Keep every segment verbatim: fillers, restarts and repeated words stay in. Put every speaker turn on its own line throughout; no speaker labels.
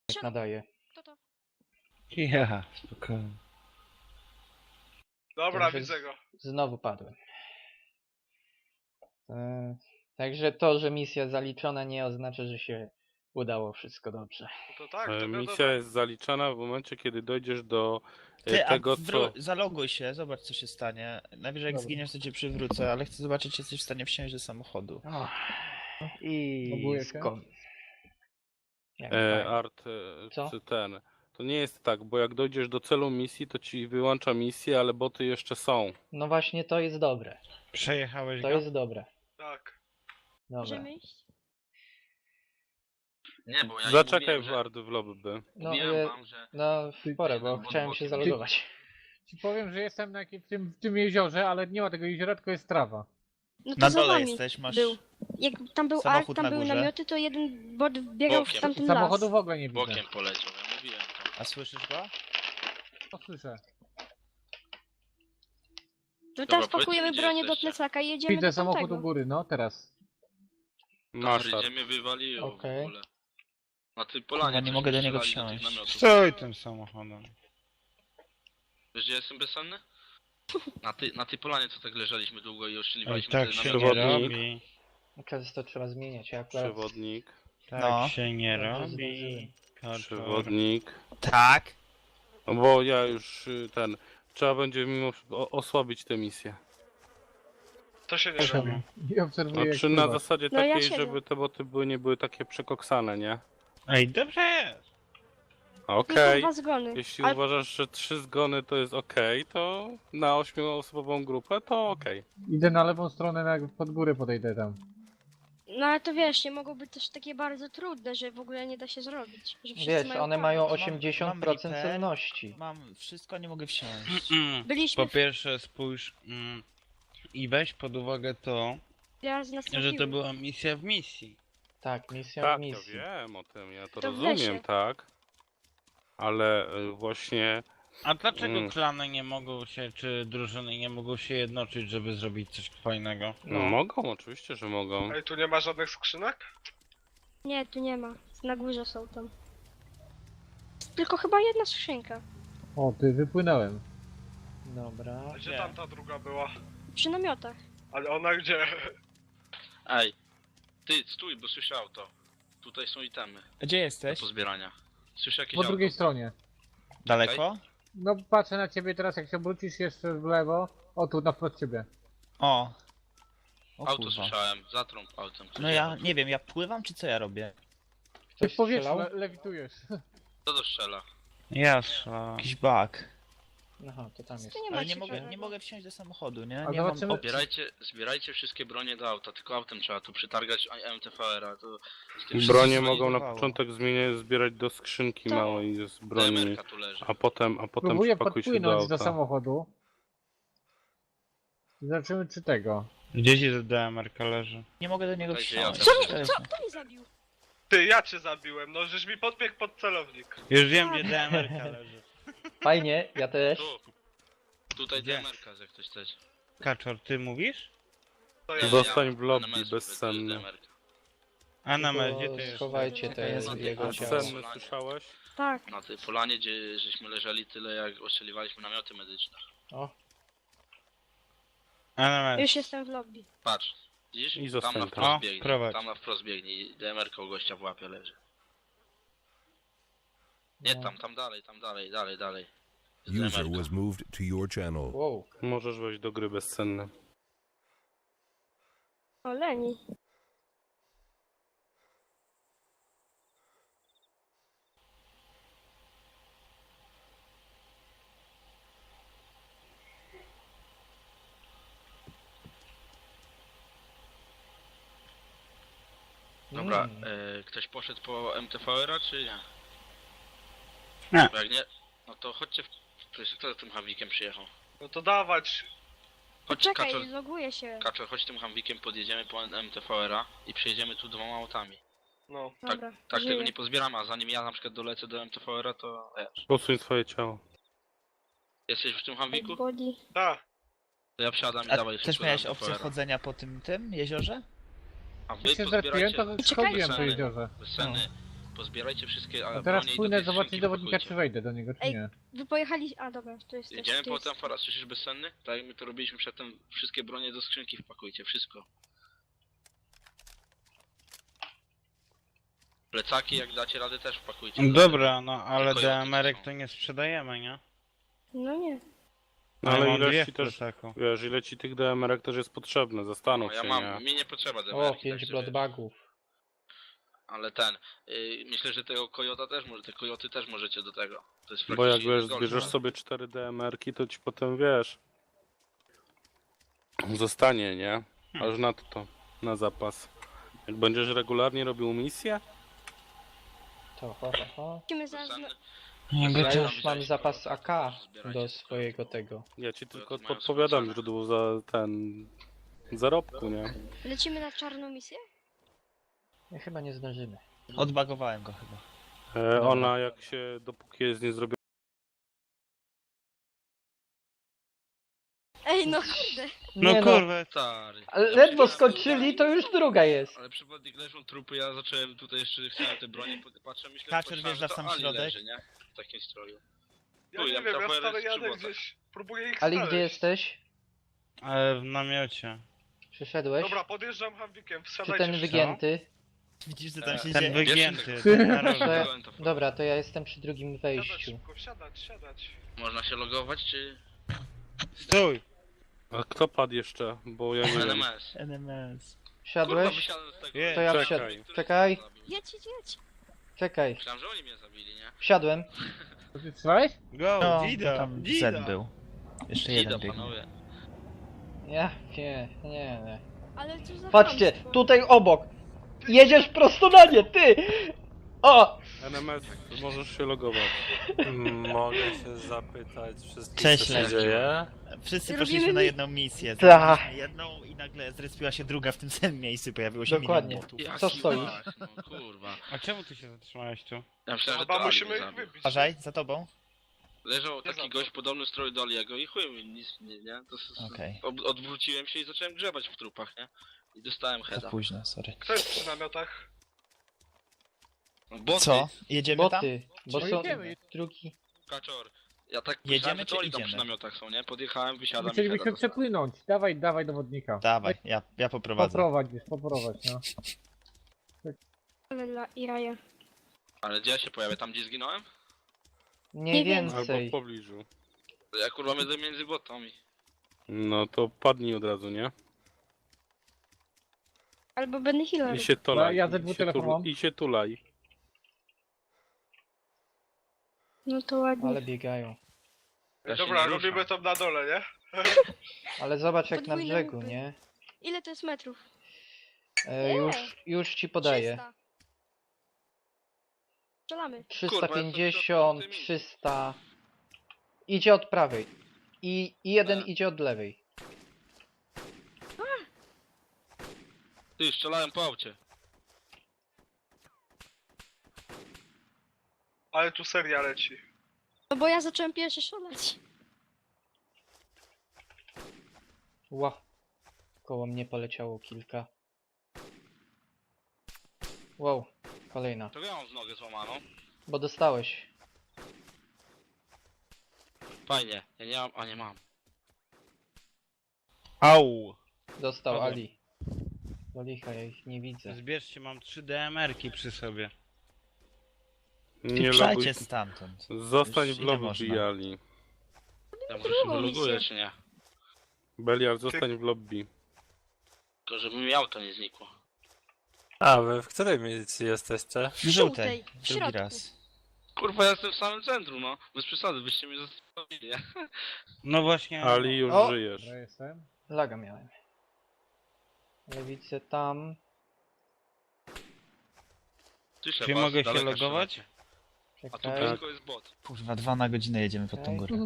Jak nadaje.
Kto to?
Ja, spokojnie.
Dobra,
Także
widzę go.
Znowu padłem. E, Także to, że misja zaliczona nie oznacza, że się udało wszystko dobrze.
No to tak, to
E,
wiadomo.
Misja jest zaliczana w momencie, kiedy dojdziesz do e,
Ty, a
tego,
wró-
co...
zaloguj się, zobacz co się stanie. Najwyżej jak
Dobra.
zginiesz, to cię przywrócę, ale chcę zobaczyć, czy jesteś w stanie wsiąść do samochodu.
O, I
Loguje się?
skąd? Jak
E,
fajnie.
art, e,
Co?
czy ten... To nie jest tak, bo jak dojdziesz do celu misji, to ci wyłącza misję, ale boty jeszcze są.
No właśnie to jest dobre.
Przejechałeś
To
go?
jest dobre.
Tak.
Dobra.
Możemy iść?
Nie, bo ja im
Zaczekaj
mówiłem,
w
że...
art w lobby.
No,
Mówiłem
e,
wam, że...
no w porę, bo
Ty-
chciałem się
ty-
zalogować.
Ci powiem, że jestem na jakim, w, tym, w tym jeziorze, ale nie ma tego jeziora, tylko jest trawa.
No to
Na
za
dole
wami
jesteś, masz...
był. Jak tam był
samochód
ark, tam
na
były
górze.
namioty, to jeden bot biegał w
Bokiem.
tamten
Samochodu
las.
w ogóle nie widzę.
Bokiem poleciał, ja mówiłem to.
A słyszysz go?
To słyszę.
To
Dobra,
teraz
powiedzmy,
pakujemy
gdzie
bronię do
jesteście.
plecaka i jedziemy
Widzę
do
samochód u
tamtego.
góry, no teraz.
Masz
Dobra,
art.
idziemy wywaliło
Okej.
w ogóle. Na tej polanie
Kurwa, nie
coś
mogę do niego
strzelali tych
wsiąść.
namiotów.
Stoi tym samochodem.
Wiesz, gdzie jestem bezsenny? Na tej, na tej polanie, co tak leżeliśmy długo i
Oj,
oszczeliwaliśmy
tak
te
się
namioty.
nie
Przewodnik.
robi.
Często trzeba zmieniać. Ja akurat
Przewodnik.
Tak
No.
się nie
Dobrze
robi.
zdążyłem.
Kaczor.
Przewodnik.
Tak.
No bo ja już y, ten... Trzeba będzie mimo o- osłabić tę misję.
To się nie
Czemu?
robi.
I obserwuję, jak
Znaczy na
pływasz.
zasadzie
No ja
takiej,
siedzę.
żeby te boty były, nie były takie przekoksane, nie?
Ej, dobrze jest.
Tylko
Okej.
dwa zgony.
Jeśli
Ale
uważasz, że trzy zgony to jest okej, to na ośmioosobową grupę to okej.
Idę na lewą stronę, na, pod górę podejdę tam.
No ale to wiesz, nie mogą być też takie bardzo trudne, że w ogóle nie da się zrobić. Że wszyscy
wiesz,
mają
one
tak.
mają
Mam-
osiemdziesiąt procent
mam repair.
celności.
Mam wszystko, nie mogę wsiąść.
Byliśmy
Po pierwsze spójrz mm, i weź pod uwagę to,
raz nas
że to
trafiły.
była misja w misji.
Tak, misja
Tak,
w
ja
misji.
wiem o tym, ja to,
To w
rozumiem,
lesie.
tak. Ale y, właśnie
A dlaczego
Mm.
klany nie mogą się, czy drużyny nie mogą się jednoczyć, żeby zrobić coś fajnego?
no, mogą, oczywiście, że mogą.
Ej, tu nie ma żadnych skrzynek?
Nie, tu nie ma. Na górze są tam. Tylko chyba jedna skrzynka.
O, ty, wypłynąłem.
Dobra.
A gdzie
Nie.
tamta druga była?
Przy namiotach.
Ale ona gdzie?
Ej, ty stój, bo słyszę auto. Tutaj są itemy
Gdzie
do
jesteś?
pozbierania. Słyszę jakieś
Po
auto.
drugiej stronie.
Daleko?
No patrzę na ciebie teraz, jak się obrócisz jeszcze w lewo. O, tu, na wprost ciebie.
O. O
Auto
kurwa.
słyszałem, zatrąb autem. Ktoś
No ja
jechał.
nie wiem, ja pływam czy co ja robię?
Ty
Ktoś
w powietrzu
strzelał?
le lewitujesz.
Kto to strzela?
Jasno.
Jakiś bug.
Aha, to tam jest.
Tu nie ma
Ale nie mogę,
ciekawego.
nie mogę wsiąść do samochodu, nie?
A
Nie mam
zobaczymy-
opcji.
Zbierajcie, zbierajcie wszystkie bronie do auta, tylko autem trzeba tu przetargać M T V R-a. To z tym
Bronie
wszystkim
mogą na
zorientowało.
początek zmieniać, zbierać do skrzynki
To-
małej z broni,
D M R-ka tu leży.
a potem, a potem
Próbuję
przypakuj się do
podpłynąć do
auta.
samochodu. Zobaczymy, czy tego.
Gdzie ci to D M R-ka leży?
Nie mogę do niego
Tutaj
wsiąść.
ja
Co
też.
mi,
Cześć.
co? Kto mnie zabił?
Ty, ja cię zabiłem, no żeś mi podbiegł pod celownik.
Już wiem, gdzie D M R-ka leży.
Fajnie, ja też.
Tu. Tutaj
Gdzie?
D M R-ka, jak ktoś chce.
Kaczor, ty mówisz?
To ja.
Zostań w
Na
lobby,
meczu
bezsenny.
D M R-ka.
A na
Tylko
medzie ty jest.
schowajcie
To
te
jest
jego
A
ciało.
Bezsenny, słyszałeś?
Tak.
Na tej polanie, gdzie żeśmy leżeli tyle, jak ostrzeliwaliśmy namioty medyczne.
O,
A na medzie.
Już jestem w lobby.
Patrz, widzisz?
I
Tam
zostań
na
tam.
wprost
O,
biegnie,
prowadź.
tam na wprost biegnie i D M R-ka u gościa w łapie leży. Nie
No.
tam, tam dalej, tam dalej, dalej, dalej. Jest
User
D M R-ka.
was moved to your channel.
wow.
Możesz wejść do gry bezsenny.
O, Leni.
Dobra,
Mm.
e, ktoś poszedł po M T V R-a, czy nie?
Nie.
Bo jak nie, no to chodźcie, w... to jest, kto tym Hamwikiem przyjechał?
No to dawać.
Chodź,
Czekaj,
Kaczor,
loguję się.
Kaczor, chodź tym Hamwikiem, podjedziemy po M T V R-a i przejedziemy tu dwoma autami.
No.
Dobra,
Tak
żyję.
tego nie pozbieramy, a zanim ja na przykład dolecę do M T V R-a, to wiesz.
Posuń swoje ciało.
Jesteś w tym Hamwiku?
Body.
Tak.
To ja wsiadam i
A
dawaj
też
szybko do
miałeś
M T V
opcję
R-a.
chodzenia po tym tym jeziorze?
A wy
Jak się zrespiłem,
pozbierajcie,
to schodziłem po jeziorze.
bezsenny, pozbierajcie wszystkie
A
a,
teraz
bronie i do
płynę
tej
zobaczyć
skrzynki
dowodnika, czy
wpakujcie.
wejdę do niego, czy
Ej,
nie.
Wy pojechali... A dobra, to jest... To jest,
Idziemy
to jest...
potem Faras, słyszysz bezsenny? Tak jak my to robiliśmy przedtem, wszystkie bronie do skrzynki wpakujcie, wszystko. Plecaki jak dacie radę też wpakujcie.
Dobra, no ale
Tylko
D
jakie
M R ek
są?
to nie sprzedajemy, nie?
No nie.
No,
Ja
ale
mam
ile
dwie
ci
w
też,
plecaku.
wiesz, ile ci tych D M R ek też jest potrzebne, zastanów
No, ja
się,
mam,
nie?
mi nie potrzeba
O,
demerki,
pięć
także
bloodbagów.
wiesz. Ale ten, yy, myślę, że tego kojota też może, te kojoty też możecie do tego. To jest
Bo jak
praktycznie
wiesz,
jeden
zbierzesz
gold,
sobie cztery D M R ki, to ci potem, wiesz, zostanie, nie? Aż na to, to, na zapas. Jak będziesz regularnie robił misję,
To ho, ho, ho.
Musimy zaraz...
Bezsenny.
Ja
Bezsenny
już mam
wziąć
zapas
kojota,
A K
też zbierajcie
do
te
swojego tego.
ja ci tylko
mają
podpowiadam
swoje
źródło za ten zarobku, nie?
Lecimy na czarną misję?
My chyba nie zdążymy.
Odbagowałem go chyba.
E, ona jak się, dopóki jest nie zrobiona,
Ej, no kurde.
No
Nie
kurwa,
Stary.
Ale
Ja
ledwo
przyjechałem
skończyli,
tutaj,
to już druga jest.
Ale przypadek leżą trupy, ja zacząłem tutaj jeszcze, chciałem te bronie, pod- patrzę, myślę,
Kaczer
pomyślałem,
wjeżdża
że
w
to
sam
Ali
środek.
leży, nie? W takim stroju.
Ja
Chuj,
nie
ja
wiem, ja
tam
stary
pojadę z
jadę
żywota.
gdzieś, próbuję ich
Ali,
znaleźć.
gdzie jesteś?
ale w namiocie.
Przyszedłeś?
Dobra, podjeżdżam Hamwikiem,
Czy
wsiadajcie
ten
wszyscy.
wygięty?
Widzisz, co tam się
Ten
dzieje?
wygięty,
Wiesz,
ten na
To
rożu.
ja,
Wziąłem to w-
dobra, to ja jestem przy drugim
Siadać
wejściu.
szybko, wsiadać, siadać.
Można się logować, czy...
Stój!
a kto padł jeszcze? Bo ja nie wiem.
N M S.
N M S.
Kurwa,
Wsiadłeś?
wysiadłem z tego.
Je,
To ja
czekaj.
wsiadłem. Czekaj,
Jedź, jedź, jedź.
czekaj.
Myślałem, że oni mnie zabili, nie?
Wsiadłem.
To ty strzelałeś?
Go,
No,
Dida,
tam
Dida.
Z był. Jeszcze
Ida,
jeden biegnie.
panowie.
Ja, nie, nie, nie.
Ale co za
Patrzcie,
chamstwo.
tutaj obok. Jedziesz prosto na nie, ty! O!
N M S, możesz się logować.
Mogę się zapytać wszystkich,
Cześć,
co się
Leszek.
dzieje?
Wszyscy
Robimy
poszliśmy na
mi-
jedną misję.
Ta.
Zrobiliśmy jedną i nagle zrespiła się druga w tym samym miejscu. Pojawiło się
Dokładnie.
milion botów.
Jaki
Co stoisz?
mach, No kurwa.
A czemu ty się zatrzymałeś tu?
Ja myślałem, że to
Chyba
Ali
musimy
mnie
ich
zabił.
wybić.
Uważaj, za tobą.
Leżał
Nie
taki
za to.
gość podobny stroju do Aliego i chuj mi nic, nie, nie? To s-
Okej.
ob- odwróciłem się i zacząłem grzebać w trupach, nie? I dostałem
Za
heada.
późno, sorry.
Kto jest przy namiotach?
No, boty,
Co? Jedziemy tam?
Boty, bo
No
są
jedziemy.
drugi.
Kaczor. Ja tak
Jedziemy,
myślałem, że
czy
to oni tam
idziemy?
przy namiotach są, nie? Podjechałem, wysiadam i
Chcielibyśmy
heada dostałem.
przepłynąć. Dawaj, dawaj dowodnika.
Dawaj, ja, ja poprowadzę.
Poprowadź, już, poprowadź, no.
Ale dla Iraja.
Ale gdzie ja się pojawię? Tam gdzie zginąłem?
Mniej
Nie wiem.
Albo w
więcej.
pobliżu.
To ja kurwa będę między botami.
No to padnij od razu, nie?
Albo Benny Hiller.
I się tulaj.
ja ze
i
dwóch
się
telefonów
tul-
mam.
I się tulaj.
No to ładnie.
Ale biegają.
Ja się
Dobra,
nie ruszam.
robimy to na dole, nie?
Ale zobacz jak na
Podwójne
brzegu,
łupy.
nie?
Ile to jest metrów?
E, już, już ci podaję.
trzysta. Strzelamy.
trzysta pięćdziesiąt,
Kurwa, ja sobie
trzysta. Idzie od prawej. I, i jeden
Tak.
idzie od lewej.
Ty, strzelałem po aucie.
Ale tu seria leci.
No bo ja zacząłem pierwszy strzelać.
Ła. Koło mnie poleciało kilka. Wow, kolejna.
To ja mam z nogę złamaną.
Bo dostałeś.
Fajnie. Ja nie mam, a nie mam.
Au!
Dostał
Dobra.
Ali. Do licha, ja ich nie widzę.
Zbierzcie, mam trzy D M R ki przy sobie.
Nie loguj.
Pieprzajcie stamtąd.
Zostań
Już
w
ile
lobby,
można?
Bijali.
Ja może się
Drugą
wyloguję,
misję.
czy nie?
Beliar, zostań w lobby.
Tylko żeby mi auto nie znikło.
A, wy w której milicji jesteście?
W żółtej.
w
Drugi
środku.
raz.
Kurwa, ja jestem w samym centrum, no. Bez przesady, byście mnie zostawili, nie?
No właśnie.
Ali, już
O!
żyjesz.
Dobra, jestem.
Laga miałem. Ale widzę tam.
Słyszę
Czy
was,
mogę się
daleka
logować?
strzelacie. A tu
Czekaj.
blisko jest bot.
Kurwa, dwa na godzinę jedziemy pod tą
Okej.
górę.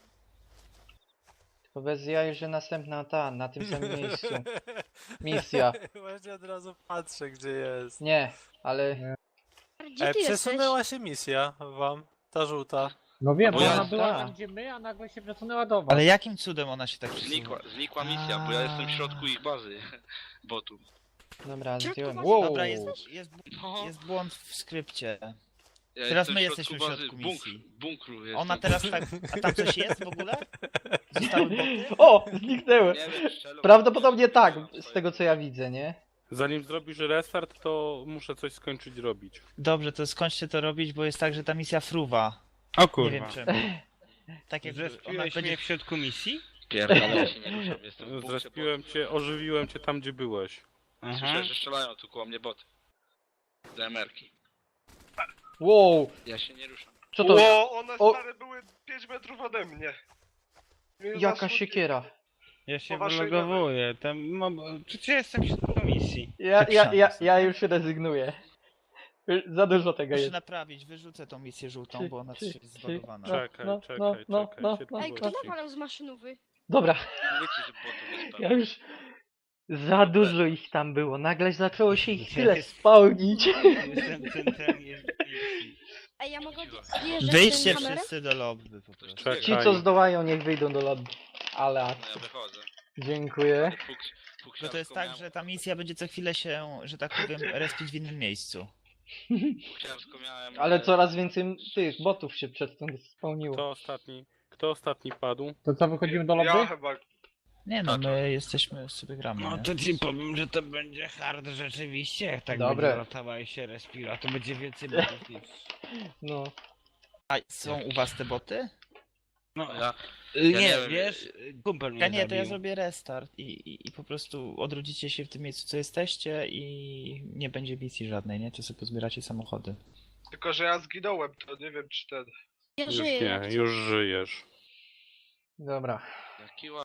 Tylko bez jaj, że następna ta, na tym samym miejscu. Misja.
Właśnie od razu patrzę, gdzie jest.
Nie, ale
Gdzie
E,
ty jesteś?
przesunęła się misja wam, ta żółta.
No wiem,
No
bo
ja-
ona była
tak.
tam gdzie my, a nagle się przesunęła do was.
Ale jakim cudem ona się tak przesuwa?
Znikła, znikła misja, bo ja jestem w środku ich bazy. Botu.
Dobra,
Środku
zdjąłem.
bazy.
Wow!
Dobra, jest, jest,
No,
jest błąd w skrypcie.
ja
teraz
jestem
my
w
jesteśmy w
bazy,
środku
bunkr-
misji.
bunkru jestem.
Ona teraz tak... A tam coś jest w ogóle? Zostały boty?
O! Zniknęły!
Nie wiem, strzelą-
Prawdopodobnie tak,
strzelam
z
swoje.
tego co ja widzę, nie?
Zanim zrobisz restart, to muszę coś skończyć robić.
Dobrze, to skończcie to robić, bo jest tak, że ta misja fruwa.
O
Nie wiem czemu. Tak jak ona
Zrespiłeś
będzie...
mnie w środku misji?
Pierdolę, ja się nie ruszam, jestem w bunkrze,
Zrespiłem
bo-
cię, ożywiłem cię tam, gdzie byłeś.
Aha.
Słyszę, że strzelają tu koło mnie boty. D M R-ki.
Wow!
Ja się nie ruszam.
Co to?
Ło, one
O!
stare były pięć metrów ode mnie. Mnie
Jaka
zasłoniły.
siekiera.
Ja się
Po waszej
wylogowuję. Tam mam... Czy ja jestem w środku misji?
Ja, ja, ja, ja już rezygnuję. Za dużo tego
Muszę
jest.
naprawić, wyrzucę tą misję żółtą,
Czy-
bo ona
czy-
jest
czy-
zbagowana.
No,
Czekaj,
no,
czekaj,
no, no,
czekaj,
no,
się
no.
Ej,
tu
kto
gości.
nawalał z maszynowy?
Dobra,
Wiecie, że botów jest
ja
pełno.
już... Za dużo ich tam było. Nagle zaczęło się ich tyle spełnić.
Jestem centralnie w misji.
Ej, ja mogę zjeżdżać
Wyjdźcie
tym kamerem?
wszyscy do lobby po prostu.
Czekaj.
Ci co zdołają niech wyjdą do lobby. Ale
No
akcja.
ja wychodzę.
Dziękuję.
Fuks,
No to jest tak, że ta misja będzie co chwilę się, że tak powiem, respić w innym miejscu.
Fuksiarsko miałem...
Ale
e,
coraz więcej tych botów się przed tym spełniło.
Kto ostatni? Kto ostatni padł?
To co, wychodzimy do
Ja
lobby?
chyba...
Nie no,
A to-
my jesteśmy, sobie gramy,
No
nie?
to ci powiem, że to będzie hard rzeczywiście. Jak tak
Dobre.
będzie latała i się respira, to będzie więcej botów niż...
No.
A są u was te boty?
No,
Ja,
y,
ja
nie,
nie wiem,
wiesz, kumpel mnie
Ja nie, to ja
zabił.
zrobię restart i, i, i po prostu odrodzicie się w tym miejscu, co jesteście i nie będzie misji żadnej, nie? To sobie pozbieracie samochody.
Tylko, że ja zginąłem, to nie wiem czy ten...
Ja
Już
żyję.
nie,
jak
już żyjesz.
Dobra.
jaki ładny.